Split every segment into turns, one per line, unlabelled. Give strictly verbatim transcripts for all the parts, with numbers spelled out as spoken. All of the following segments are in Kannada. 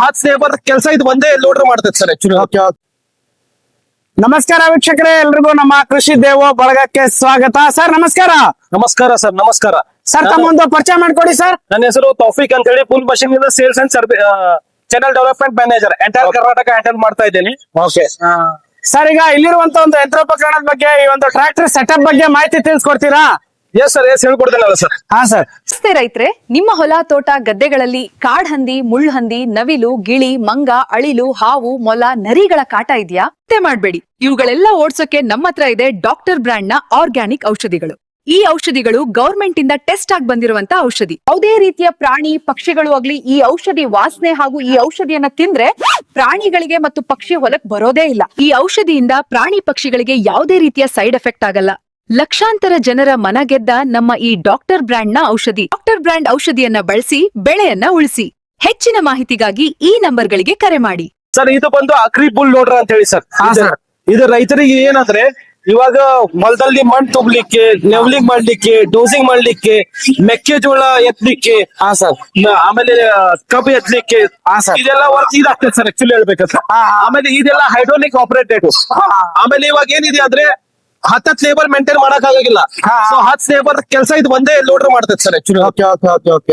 ಹತ್ತು ಲೇಬರ್ ಕೆಲಸ ಇದು ಒಂದೇ ಲೋಡರ್ ಮಾಡ್ತೈತೆ ಸರ್ ಆಕ್ಚುಲಿ.
Okay okay. ನಮಸ್ಕಾರ ವೀಕ್ಷಕರೇ, ಎಲ್ರಿಗೂ ನಮ್ಮ ಕೃಷಿ ದೇವೋ ಬಳಗಕ್ಕೆ ಸ್ವಾಗತ. ಸರ್ ನಮಸ್ಕಾರ.
ನಮಸ್ಕಾರ ಸರ್. ನಮಸ್ಕಾರ
ಸರ್, ತಮ್ಮೊಂದು ಪರಿಚಯ ಮಾಡ್ಕೊಡಿ ಸರ್.
ನನ್ನ ಹೆಸರು ತೌಫಿಕ್ ಅಂತ ಹೇಳಿ, ಫುಲ್ ಮಷಿನ್ ಇಂದ sales and service channel development manager entire Karnataka handle ಮಾಡ್ತಾ ಇದ್ದೀನಿ.
ಓಕೆ ಸರ್, ಈಗ ಇಲ್ಲಿರುವಂತ ಒಂದು ಯಂತ್ರೋಪಕರಣದ ಬಗ್ಗೆ, ಈ ಒಂದು ಟ್ರ್ಯಾಕ್ಟರ್ ಸೆಟಪ್ ಬಗ್ಗೆ ಮಾಹಿತಿ ತಿಳಿಸ್ಕೊಡ್ತೀರಾ?
ಎಸ್ ಸರ್, ಎಸ್ ಹೇಳ್ಕೊಡ್ತೇನಲ್ಲ ಸರ್.
ಹಾ ಸರ್.
ನಮಸ್ತೆ ರೈತ್ರೆ, ನಿಮ್ಮ ಹೊಲ ತೋಟ ಗದ್ದೆಗಳಲ್ಲಿ ಕಾಡ್ಹಂದಿ, ಮುಳ್ಳುಹಂದಿ, ನವಿಲು, ಗಿಳಿ, ಮಂಗ, ಅಳಿಲು, ಹಾವು, ಮೊಲ, ನರಿಗಳ ಕಾಟ ಇದೆಯಾ? ಚಿಂತೆ ಮಾಡ್ಬೇಡಿ, ಇವುಗಳೆಲ್ಲ ಓಡ್ಸೋಕೆ ನಮ್ಮ ಹತ್ರ ಇದೆ ಡಾಕ್ಟರ್ ಬ್ರ್ಯಾಂಡ್ ನ ಆರ್ಗ್ಯಾನಿಕ್ ಔಷಧಿಗಳು. ಈ ಔಷಧಿಗಳು ಗವರ್ಮೆಂಟ್ ಇಂದ ಟೆಸ್ಟ್ ಆಗಿ ಬಂದಿರುವಂತ ಔಷಧಿ. ಯಾವುದೇ ರೀತಿಯ ಪ್ರಾಣಿ ಪಕ್ಷಿಗಳು ಆಗ್ಲಿ ಈ ಔಷಧಿ ವಾಸನೆ ಹಾಗೂ ಈ ಔಷಧಿಯನ್ನ ತಿಂದ್ರೆ ಪ್ರಾಣಿಗಳಿಗೆ ಮತ್ತು ಪಕ್ಷಿ ಹೊಲಕ್ ಬರೋದೇ ಇಲ್ಲ. ಈ ಔಷಧಿಯಿಂದ ಪ್ರಾಣಿ ಪಕ್ಷಿಗಳಿಗೆ ಯಾವುದೇ ರೀತಿಯ ಸೈಡ್ ಎಫೆಕ್ಟ್ ಆಗಲ್ಲ. ಲಕ್ಷಾಂತರ ಜನರ ಮನ ಗೆದ್ದ ನಮ್ಮ ಈ ಡಾಕ್ಟರ್ ಬ್ರ್ಯಾಂಡ್ ನ ಔಷಧಿ. ಡಾಕ್ಟರ್ ಬ್ರ್ಯಾಂಡ್ ಔಷಧಿಯನ್ನ ಬಳಸಿ ಬೆಳೆಯನ್ನ ಉಳಿಸಿ. ಹೆಚ್ಚಿನ ಮಾಹಿತಿಗಾಗಿ ಈ ನಂಬರ್ಗಳಿಗೆ ಕರೆ ಮಾಡಿ.
ಸರ್, ಇದು ಬಂದು ಅಕ್ರಿ ಬುಲ್ ಲೋಡರ್ ಅಂತ ಹೇಳಿ ಸರ್.
ಹಾ ಸರ್.
ಇದು ರೈತರಿಗೆ ಏನಂದ್ರೆ, ಇವಾಗ ಹೊಲದಲ್ಲಿ ಮಣ್ಣು ತುಂಬಲಿಕ್ಕೆ, ಲೆವೆಲಿಂಗ್ ಮಾಡ್ಲಿಕ್ಕೆ, ಡೋಸಿಂಗ್ ಮಾಡ್ಲಿಕ್ಕೆ, ಮೆಕ್ಕೆಜೋಳ ಎತ್ತಲಿಕ್ಕೆ,
ಹಾ ಸರ್.
ಆಮೇಲೆ ಕಬ್ಬು ಎತ್ತಲಿಕ್ಕೆ,
ಹಾ ಸರ್.
ಇದೆಲ್ಲ ವರ್ಕ್ ಇದಾಗ್ತದೆ ಸರ್ ಆಕ್ಚುಲಿ ಹೇಳ್ಬೇಕಂದ್ರೆ. ಆಮೇಲೆ ಇದೆಲ್ಲ ಹೈಡ್ರೋಲಿಕ್ ಆಪರೇಟೆಡ್. ಆಮೇಲೆ ಇವಾಗ ಏನಿದೆ ಅಂದ್ರೆ ಹತ್ತತ್ ಲೇಬರ್ ಮೇಂಟೈನ್ ಮಾಡಕ್ ಆಗಿಲ್ಲ. ಸೊ ಹತ್ತು ಲೇಬರ್ ಕೆಲಸ ಇದು ಒಂದೇ ಲೋಡರ್ ಮಾಡ್ತೈತೆ sir actually.
Okay okay okay okay.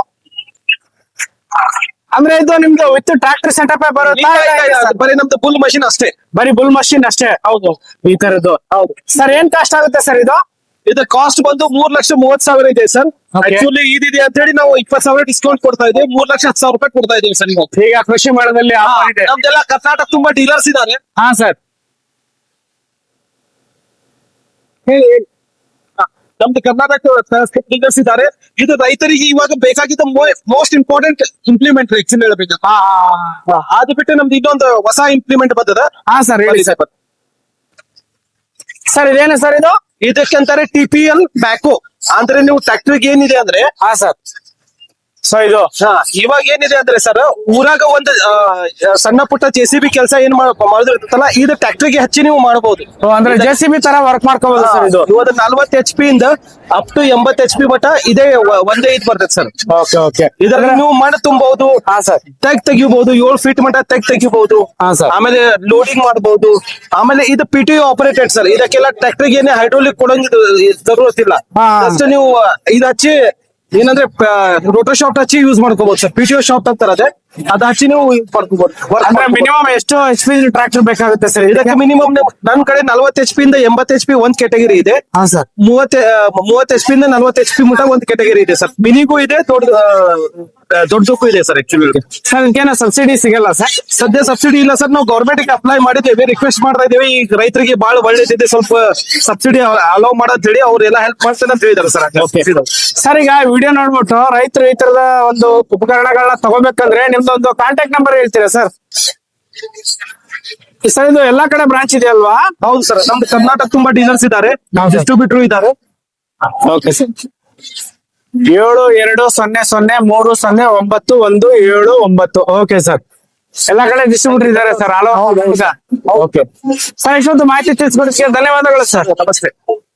ಅಂದ್ರೆ ಇದು ನಿಮ್ದು ವಿತ್ ಟ್ರ್ಯಾಕ್ಟರ್ ಸೆಟಪ್ ಬರುತ್ತಾ?
ಬರೀ ನಮ್ದು ಫುಲ್ ಮಷಿನ್ ಅಷ್ಟೇ.
ಬರೀ ಬುಲ್ ಮಷಿನ್ ಅಷ್ಟೇ?
ಹೌದು,
ಈ ತರದ್ದು.
ಹೌದು
ಸರ್, ಏನ್ ಕಾಸ್ಟ್ ಆಗುತ್ತೆ ಸರ್ ಇದು?
ಇದು ಕಾಸ್ಟ್ ಬಂದು ಮೂರ್ ಲಕ್ಷ ಮೂವತ್ ಸಾವಿರ ಇದೆ ಸರ್.
Okay.
ಆಕ್ಚುಲಿ ಇದಿದೆ ಅಂತ ಹೇಳಿ ನಾವು ಇಪ್ಪತ್ ಸಾವಿರ ಡಿಸ್ಕೌಂಟ್ ಕೊಡ್ತಾ ಇದ್ದೀವಿ. ಮೂರ್ ಲಕ್ಷ ಹತ್ತು ಸಾವಿರ ರೂಪಾಯಿ ಕೊಡ್ತಾ ಇದೀವಿ ಸರ್. ನೀವು
ಈಗ ಕೃಷಿ ಮೇಳದಲ್ಲಿ offer ಇದೆ.
ನಮ್ದೆಲ್ಲ ಕರ್ನಾಟಕ ತುಂಬಾ ಡೀಲರ್ಸ್ ಇದ್ದಾರೆ.
ಹಾ ಸರ್, ಹೇಳಿ ಹೇಳಿ.
ನಮ್ದು ಕರ್ನಾಟಕ ಡೀಲರ್ಸ್ ಇದ್ದಾರೆ. ಇದು ರೈತರಿಗೆ ಇವಾಗ ಬೇಕಾಗಿದ್ದ ಮೋಸ್ಟ್ ಇಂಪಾರ್ಟೆಂಟ್ ಇಂಪ್ಲಿಮೆಂಟ್ ಆಕ್ಚುಲಿ ಹೇಳ್ಬೇಕು.
ಹಾ ಹಾ
ಅದು ಬಿಟ್ಟು ನಮ್ದು ಇನ್ನೊಂದು ಹೊಸ ಇಂಪ್ಲಿಮೆಂಟ್ ಬಂದದ.
ಹಾ ಸರ್, ಹೇಳಿ ಸರ್. ಸರ್, ಇದೇನು ಸರ್ ಇದು?
ಇದಕ್ಕಂತಾರೆ ಟಿ ಪಿ ಎಲ್ ಬ್ಯಾಕೋ. ಅಂದ್ರೆ ನೀವು ಟ್ರ್ಯಾಕ್ಟರ್ಗೆ ಏನಿದೆ ಅಂದ್ರೆ,
ಹಾ ಸರ್. ಸೊ ಇದು
ಹಾ, ಇವಾಗ ಏನಿದೆ ಅಂದ್ರೆ ಸರ್, ಊರಾಗ ಒಂದು ಆ, ಸಣ್ಣ ಪುಟ್ಟ ಜೆ ಸಿ ಬಿ ಕೆಲಸ ಏನ್ ಮಾಡಿದಿರ್ತಲ್ಲ, ಇದು ಟ್ರ್ಯಾಕ್ಟರ್ಗೆ ಹಚ್ಚಿ ನೀವು ಮಾಡಬಹುದು.
ಓ, ಅಂದ್ರೆ ಜೆ ಸಿ ಬಿ ತರ ವರ್ಕ್ ಮಾಡ್ಕೋಬಹುದು ಸರ್ ಇದು?
ಇವಾಗ ನಲ್ವತ್ತು ಎಚ್ ಪಿ ಇಂದ ಅಪ್ ಟು ಎಂಬತ್ ಎಚ್ ಪಿ ಮಟ್ಟ ಇದೇ ಒ- ಒಂದೇ ಇದು ಬರ್ತದೆ ಸರ್.
Okay okay.
ಇದರಲ್ಲಿ ನೀವು ಮಣ್ಣು ತುಂಬಬಹುದು,
ಹಾ ಸರ್.
ತೆಗ್ ತೆಗಿಬಹುದು, ಏಳು ಫೀಟ್ ಮಟ್ಟ ತೆಗ್ ತೆಗಿಬಹುದು.
ಹಾ ಸರ್.
ಆಮೇಲೆ ಲೋಡಿಂಗ್ ಮಾಡಬಹುದು. ಆಮೇಲೆ ಇದು ಪಿ ಟಿ ಆಪರೇಟೆಡ್ ಸರ್. ಇದಕ್ಕೆಲ್ಲ ಟ್ರ್ಯಾಕ್ಟರ್ಗೆ ಏನೇ ಹೈಡ್ರೋಲಿಕ್ ಕೊಡಂಗ ಜरूरत
ಹಾ.
ಜಸ್ಟ್ ನೀವು ಇದು ಹಚ್ಚಿ ಏನಂದ್ರೆ ರೋಟೋ ಶಾಫ್ಟ್ ಹಚ್ಚಿ ಯೂಸ್ ಮಾಡ್ಕೋಬಹುದು ಸರ್. ಪಿ ಟಿ ಶಾಫ್ಟ್ ಅಂತಾರೆ, ಅದೇ ಅದ್ ಹಚ್ಚಿ ನೀವು ಮಾಡ್ಕೋಬಹುದು.
ಅಂದ್ರೆ ಮಿನಿಮಮ್ ಎಷ್ಟು ಎಚ್ ಪಿ ಟ್ರ್ಯಾಕ್ಟರ್ ಬೇಕಾಗುತ್ತೆ ಸರ್ ಇದಕ್ಕೆ?
ಇದಕ್ಕೆ ಮಿನಿಮಮ್ ನನ್ ಕಡೆ ನಲ್ವತ್ತು ಎಚ್ ಪಿ ಇಂದ ಎಂಬತ್ ಎಚ್ ಪಿ ಒಂದ್ ಕ್ಯಾಟಗರಿ ಇದೆ.
ಹಾ ಸರ್.
ಮೂವತ್ ಮೂವತ್ ಎಚ್ ಪಿ ಇಂದ ನಲ್ವತ್ ಎಚ್ ಪಿ ಮುಟ ಒಂದ್ ಕ್ಯಾಟಗರಿ ಇದೆ ಸರ್. ಮಿನಿಗೂ ಇದೆ, ದೊಡ್ಡ ದೊಡ್ಡದಕ್ಕೂ ಇದೆ ಸರ್. ಆಕ್ಚುಲಿ
ಸರ್, ಇದಕ್ಕೇನೋ ಸಬ್ಸಿಡಿ ಸಿಗಲ್ಲ ಸರ್?
ಸದ್ಯ ಸಬ್ಸಿಡಿ ಇಲ್ಲ ಸರ್. ನಾವು ಗೌರ್ಮೆಂಟ್ ಗೆ ಅಪ್ಲೈ ಮಾಡಿದ್ದೇವೆ, ರಿಕ್ವೆಸ್ಟ್ ಮಾಡ್ತಾ ಇದ್ದೇವೆ. ಈಗ ರೈತರಿಗೆ ಬಹಳ ಒಳ್ಳೇದಿದೆ, ಸ್ವಲ್ಪ ಸಬ್ಸಿಡಿ ಅಲೋ ಮಾಡೋದ್ ಹೇಳಿ ಅವ್ರೆಲ್ಲ ಹೆಲ್ಪ್ ಮಾಡ್ತಾರೆ ಅಂತ ಹೇಳಿದಾರೆ ಸರ್.
ಸರ್, ಈಗ ವಿಡಿಯೋ ನೋಡ್ಬಿಟ್ಟು ರೈತರು ಈ ತರದ ಒಂದು ಉಪಕರಣಗಳನ್ನ ತಗೋಬೇಕಂದ್ರೆ ನಿಮ್ದೊಂದು ಕಾಂಟ್ಯಾಕ್ಟ್ ನಂಬರ್ ಹೇಳ್ತೀರಾ ಸರ್? ಸರ್, ಇದು ಎಲ್ಲಾ ಕಡೆ ಬ್ರಾಂಚ್ ಇದೆ ಅಲ್ವಾ?
ಹೌದು ಸರ್, ನಮ್ದು ಕರ್ನಾಟಕ ತುಂಬಾ ಡೀಲರ್ಸ್ ಇದ್ದಾರೆ, ಡಿಸ್ಟ್ರಿಬ್ಯೂಟರ್ ಇದ್ದಾರೆ.
Okay sir. ಏಳು ಎರಡು ಸೊನ್ನೆ ಸೊನ್ನೆ ಮೂರು ಸೊನ್ನೆ ಒಂಬತ್ತು ಒಂದು ಏಳು ಒಂಬತ್ತು. ಓಕೆ ಸರ್, ಎಲ್ಲಾ ಕಡೆ ಡಿಸ್ಟ್ರಿಬ್ಯೂಟರ್ ಇದ್ದಾರೆ ಸರ್. ಹಲೋ. ಓಕೆ ಸರ್, ಇಷ್ಟೊಂದು ಮಾಹಿತಿ ತಿಳಿಸ್ಕೊಡೋದಕ್ಕೆ ಧನ್ಯವಾದಗಳು ಸರ್.
ನಮಸ್ತೆ.